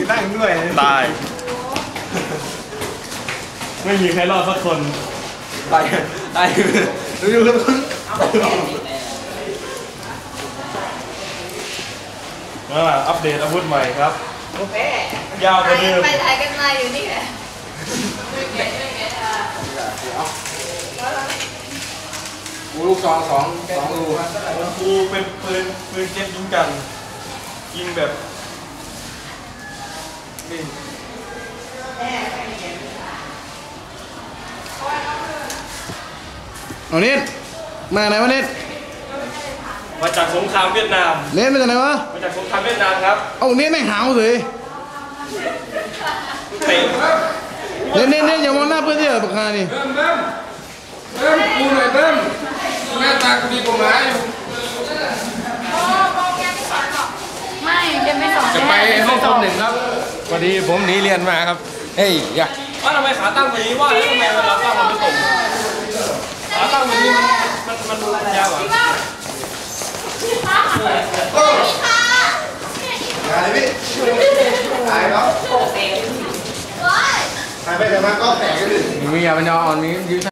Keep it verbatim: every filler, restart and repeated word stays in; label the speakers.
Speaker 1: นั่งด้วย
Speaker 2: ตายไม่มีใครรอดสักคน
Speaker 1: ตายตายดูดูดู
Speaker 2: อ่าอัปเดตอาวุธใหม่ครับ
Speaker 3: โอเค
Speaker 2: ยาวกว่าเดิม
Speaker 3: ไปถ่ายกันมาอยู่นี่แหละ
Speaker 1: กูลูกซองสองสองรู
Speaker 2: ของกูเป็นปืนปืนเก็บยิงกันยิงแบบนี่
Speaker 4: เอาเน็ตมาไหนวะเน็ต
Speaker 2: มาจากสงครามเวียดนาม
Speaker 4: เน็ตมาจากไหนวะ
Speaker 2: มาจากสงครามเวียดนามครับ
Speaker 4: เอาเน็ตไม่หาวเลย
Speaker 2: เตะ
Speaker 4: เน็ตเน็ตเน็ตอย่ามองหน้าเพื่อนที่เหรอปากกานี่
Speaker 1: เบิ้มเบิ้มเบิ้มกูหน่อยเบิ้มหน้าตากูดีกว่าหมาอยู่
Speaker 3: ไม่จะไม่สอน
Speaker 1: จะไปห้องคอมหนึ่งครับพอดีผมหนีเรียนมาครับเฮ้ยอย่า
Speaker 2: ว่าทำไมขาตั้งแบบนี้ว่าทำไมเวลาตั้งมันไม่ตรงขาตั้งแบบนี้มันมันมันยาวอ่ะ
Speaker 1: อะไรพี่ตายแล้วตายไปแต่มาก็แตกกันดิมีอย่ามันยออ่อนมียืด